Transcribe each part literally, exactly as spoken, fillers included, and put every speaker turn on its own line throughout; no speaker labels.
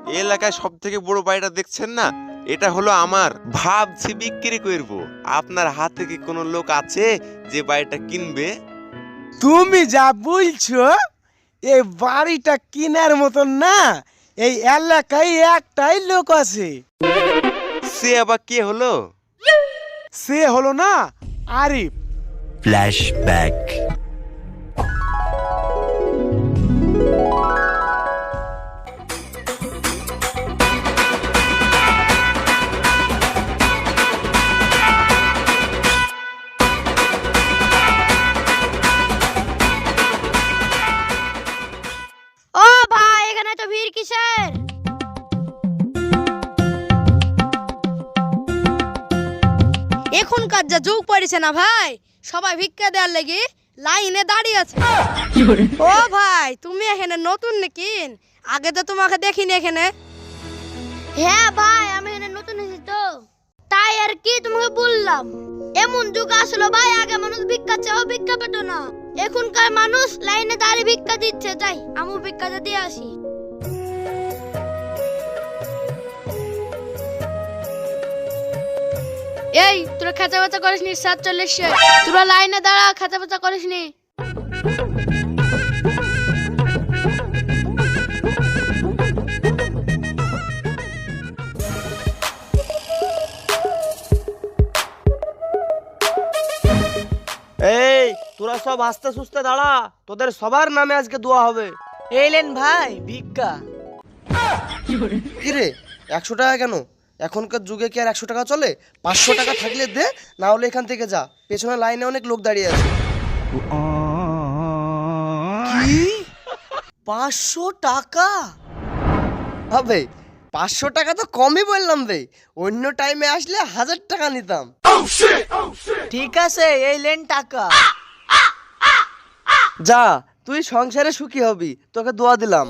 এই এলাকায় সব থেকে বড় বাড়িটা দেখছেন না, এটা হলো আমার। ভাবছি বিক্রি করব। আপনার হাতে কি কোনো লোক আছে যে বাড়িটা কিনবে?
তুমি যা বলছো এই বাড়িটা কেনার মতন না, এই এলাকায় একটাই লোক আছে।
সে আবার কে হলো?
সে হলো না আরিফ।
ফ্ল্যাশব্যাক।
ও ভাই, এখানে তো ভিড় কিসের? এখনকার যা যুগ পড়েছে না ভাই, সবাই ভিক্ষা দেওয়ার লেগে লাইনে দাঁড়িয়ে আছে। ও ভাই, তুমি এখানে নতুন নাকি? আগে তো তোমাকে দেখিনি এখানে। হ্যাঁ ভাই, আমি এখানে নতুন এসেছি তো, তাই আর কি তোমাকে বললাম। এমন যুগ আসলো ভাই, আগে মানুষ ভিক্ষা চাও ভিক্ষা পেত না, এখনকার মানুষ লাইনে দাঁড়িয়ে ভিক্ষা দিচ্ছে। যাই আমি ভিক্ষাটা দিয়ে আসি। এই তোরা খাঁচা বাচা করিস নি, সাত চল্লিশে তোরা লাইনে দাঁড়া, খাঁচা বাচা করিস নি।
এই তোরা সব আস্তে সুস্তে দাঁড়া, তোদের সবার নামে আজকে দোয়া হবে।
এলেন ভাই ভিক্ষা।
কি রে, একশো টাকা কেন? এখনকার যুগে কি আর একশো টাকা চলে? পাঁচশো টাকা থাকলে দে, না হলে এখান থেকে যা, পেছনে লাইনে অনেক লোক দাঁড়িয়ে আছে।
কি পাঁচশো টাকা?
হবে পাঁচশো টাকা তো কমই বললাম বে, অন্য টাইমে আসলে হাজার টাকা নিতাম।
ঠিক আছে, এই লেন টাকা।
যা, তুই সংসারে সুখী হবি, তোকে দোয়া দিলাম।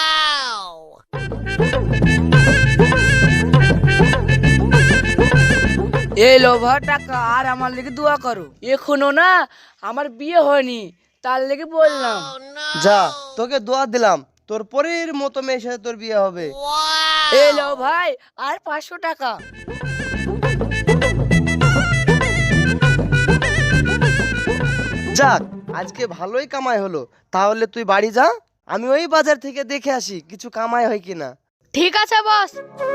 এই লোভা টাকা, আর আমার লেগে দোয়া করো। এখনো না আমার বিয়ে হয়নি, তার লেগে বললাম।
যা, তোকে দোয়া দিলাম, তোর পরের মতো মেয়ের সাথে তোর বিয়ে হবে।
এই লো ভাই, আর পাঁচশো টাকা।
যাক, আজকে ভালোই কামাই হলো। তাহলে তুই বাড়ি যা, আমি ওই বাজার থেকে দেখে আসি কিছু কামাই হয় কিনা।
ঠিক আছে বস।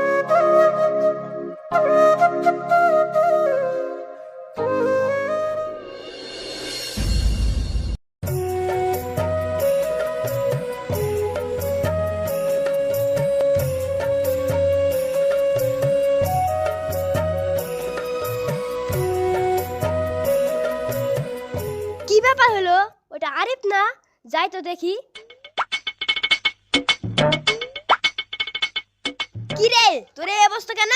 কি ব্যাপার হলো? ওটা আরিফ না? যাই তো দেখি। কি রে, তোর এই অবস্থা কেন?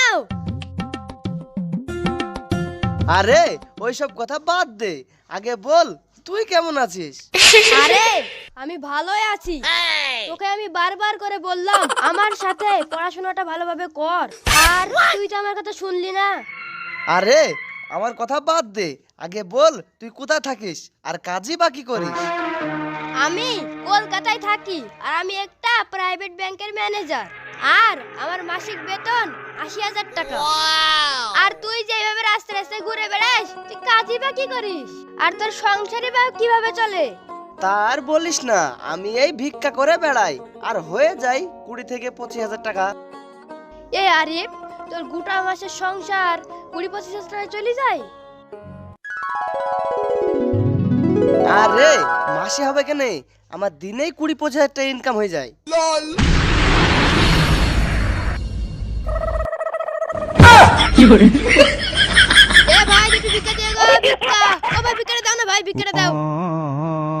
আরে ওইসব কথা বাদ দে, আগে বল তুই কেমন আছিস?
আরে আমি ভালোই আছি। তোকে আমি বারবার করে বললাম আমার সাথে পড়াশোনাটা ভালোভাবে কর, আর তুই তো আমার কথা শুনলি না।
আরে আমার কথা বাদ দে, আগে বল তুই কোথায় থাকিস আর কাজই বাকি করিস?
আমি কলকাতায় থাকি, আর আমি একটা প্রাইভেট ব্যাংকের ম্যানেজার, আর আমার মাসিক বেতন আশি হাজার টাকা। আর তুই যেভাবে রাস্তায় রাস্তায় ঘুরে বেড়াস, তুই কাজই বা কি করিস? আর তোর সংসারই বা কিভাবে চলে?
তার বলিস না, আমি এই ভিক্ষা করে বেড়াই, আর হয়ে যাই কুড়ি থেকে পঁচিশ হাজার টাকা।
এ আরিফ, তোর গোটা মাসের সংসার কুড়ি পঁচিশ হাজার টাকায় চলে যায়?
আরে মাসে হবে কেন, আমার দিনেই কুড়ি পঁচিশ হাজার টাকা ইনকাম হয়ে যায়।
এ ভাই, দুটো ভিক্ষা দিয়ে গো, ভিক্ষা। ও ভাই, ভিক্ষাটা দাও না ভাই, ভিক্ষাটা দাও।